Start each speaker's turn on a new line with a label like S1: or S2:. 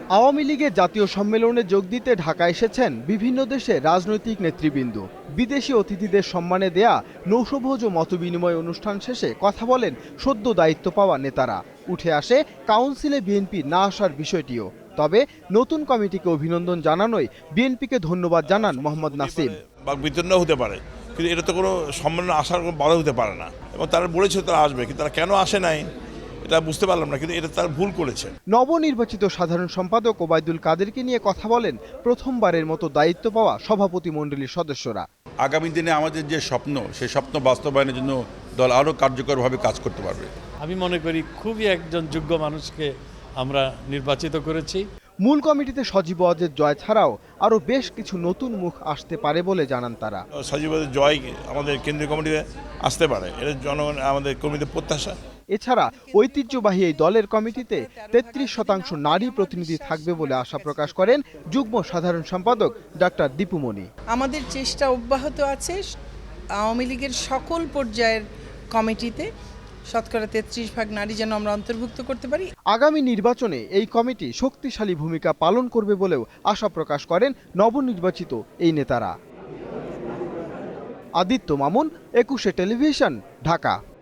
S1: আওয়ামী লীগের জাতীয় সম্মেলনে যোগ দিতে ঢাকা এসেছেন বিভিন্ন দেশের রাজনৈতিক নেতৃবৃন্দ। বিদেশি অতিথিদের সম্মানে দেয়া নৌশভোজ ও মতবিনিময় অনুষ্ঠান শেষে কথা বলেন সদ্য দায়িত্ব পাওয়া নেতারা। উঠে আসে কাউন্সিলে বিএনপি না আসার বিষয়টিও। তবে নতুন কমিটিকে অভিনন্দন জানানোয় বিএনপিকে ধন্যবাদ জানান মোহাম্মদ নাসিম।
S2: বিতর্ণ হতে পারে, কিন্তু এটা তো কোনো সম্মেলনে আসার কোনো বাধা হতে পারে না, এবং তারা বলেছে তারা আসবে, কিন্তু তারা কেন আসে নাই এটা বুঝতে পারলাম না, কিন্তু এটা তারা ভুল করেছে।
S1: নবনির্বাচিত সাধারণ সম্পাদক ওবায়দুল কাদেরকে নিয়ে কথা বলেন প্রথমবারের মতো দায়িত্ব পাওয়া সভাপতি মণ্ডলীর সদস্যরা।
S3: আগামী দিনে আমাদের যে স্বপ্ন, সেই স্বপ্ন বাস্তবায়নের জন্য দল আরও কার্যকরভাবে কাজ করতে পারবে।
S4: আমি মনে করি খুবই একজন যোগ্য মানুষকে আমরা নির্বাচিত করেছি।
S1: মূল কমিটিতে সজীব ওয়াজেদ জয় ছাড়াও আরও বেশ কিছু নতুন মুখ আসতে পারে বলে জানান তারা।
S2: সজীব ওয়াজেদ জয় আমাদের কেন্দ্রীয় কমিটিতে আসতে পারে, এটা জনগণ আমাদের কর্মীদের প্রত্যাশা।
S1: এছাড়া ঐতিহ্যবাহী এই দলের কমিটিতে 33% নারী প্রতিনিধি থাকবে বলে আশা প্রকাশ করেন যুগ্ম সাধারণ সম্পাদক ডাক্তার দীপুমণি।
S5: আমাদের চেষ্টা অব্যাহত আছে আওয়ামী লীগের সকল পর্যায়ের কমিটিতে শতকরা 33% নারী যেন আমরা অন্তর্ভুক্ত করতে পারি।
S1: আগামী নির্বাচনে এই কমিটি শক্তিশালী ভূমিকা পালন করবে বলেও আশা প্রকাশ করেন নবনির্বাচিত এই নেতারা। আদিত্য মামুন, 21 টেলিভিশন, ঢাকা।